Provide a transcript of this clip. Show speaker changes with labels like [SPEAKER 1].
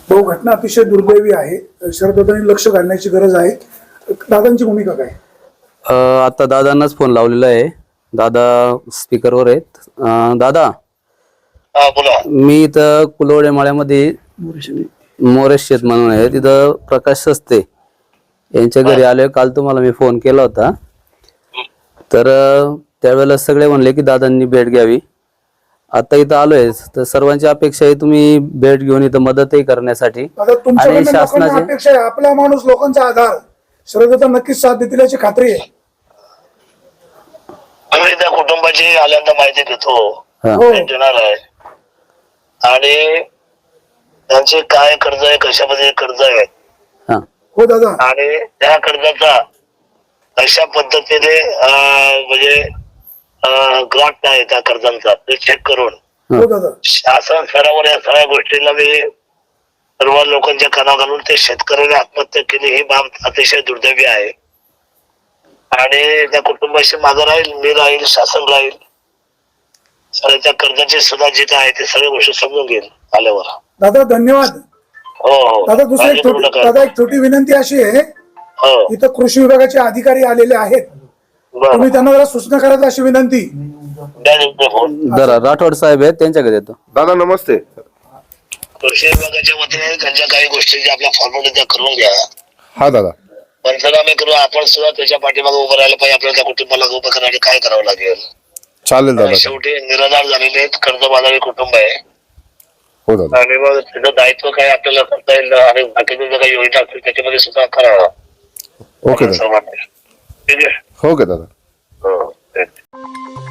[SPEAKER 1] तो घटना अतिशय दुर्दैवी आहे. शरददादांनी लक्ष घालण्याची गरज आहे. दादांची भूमिका काय?
[SPEAKER 2] आता दादांनाच फोन लावलेला आहे. दादा स्पीकरवर आहेत. दादा,
[SPEAKER 3] बोला.
[SPEAKER 2] मी इथं कुलवडे माळ्यामध्ये मोरेश शेत म्हणून आहे, तिथं प्रकाश सस्ते यांच्या घरी आलोय. काल तुम्हाला मी फोन केला होता, तर त्यावेळेला सगळे म्हणले की दादांनी भेट घ्यावी. आता इथं आलोय, तर सर्वांची अपेक्षा आहे तुम्ही भेट घेऊन इथं मदतही करण्यासाठी आणि शासनाची
[SPEAKER 1] अपेक्षा आहे. आपला माणूस लोकांचा आधार. शरददादा नक्कीच साथ देतील याची खात्री आहे.
[SPEAKER 3] आम्ही त्या कुटुंबाची आल्यांदा माहिती घेतो, देणार आहे आणि त्यांचे काय कर्ज आहे, कशामध्ये कर्ज आहे
[SPEAKER 1] हो दादा.
[SPEAKER 3] आणि त्या कर्जाचा अशा पद्धतीने म्हणजे ग्रांट आहे त्या कर्जांचा ते चेक करून
[SPEAKER 1] हो दादा.
[SPEAKER 3] शासन स्तरावर या सगळ्या गोष्टीला मी सर्व लोकांच्या काना घालून ते शेतकऱ्याने आत्महत्या केली ही बाब अतिशय दुर्दैवी आहे आणि त्या कुटुंबाशी माझं राहील, मी राहील, शासन राहील. आणि त्या कर्जाचे सुद्धा जे काय आहे ते सगळ्या गोष्टी समजून घेईल आल्यावर.
[SPEAKER 1] दादा धन्यवाद.
[SPEAKER 3] हो
[SPEAKER 1] दादा दादा एक छोटी विनंती अशी आहे, इथं कृषी विभागाचे अधिकारी आलेले आहेत, तुम्ही त्यांना जरा सूचना करायची अशी विनंती.
[SPEAKER 2] जरा राठोड साहेब आहेत, त्यांच्याकडे येतो.
[SPEAKER 4] दादा नमस्ते.
[SPEAKER 3] कृषी विभागाच्या वतीने त्यांच्या काही गोष्टी ज्या आपल्या फॉर्मॅलिटी त्या करून घ्या.
[SPEAKER 4] हा दादा.
[SPEAKER 3] पंचनामे करू, आपण सुद्धा त्याच्या पाठीमागे उभं राहायला पाहिजे. आपल्याला त्या कुटुंबाला उभं करण्यासाठी काय करावं लागेल.
[SPEAKER 4] चालेल दादा.
[SPEAKER 3] शेवटी निराधार झालेले आहेत, कर्जबाजारी कुटुंब आहे.
[SPEAKER 4] हो दादा.
[SPEAKER 3] आणि मग त्याचं दायित्व काय आपल्याला करता येईल आणि बाकीच्या ज्या काही योजना असतील त्याच्यामध्ये सुद्धा करावं.
[SPEAKER 4] ओके दादा.
[SPEAKER 3] ठीक आहे.
[SPEAKER 4] ओके दादा.
[SPEAKER 3] हो.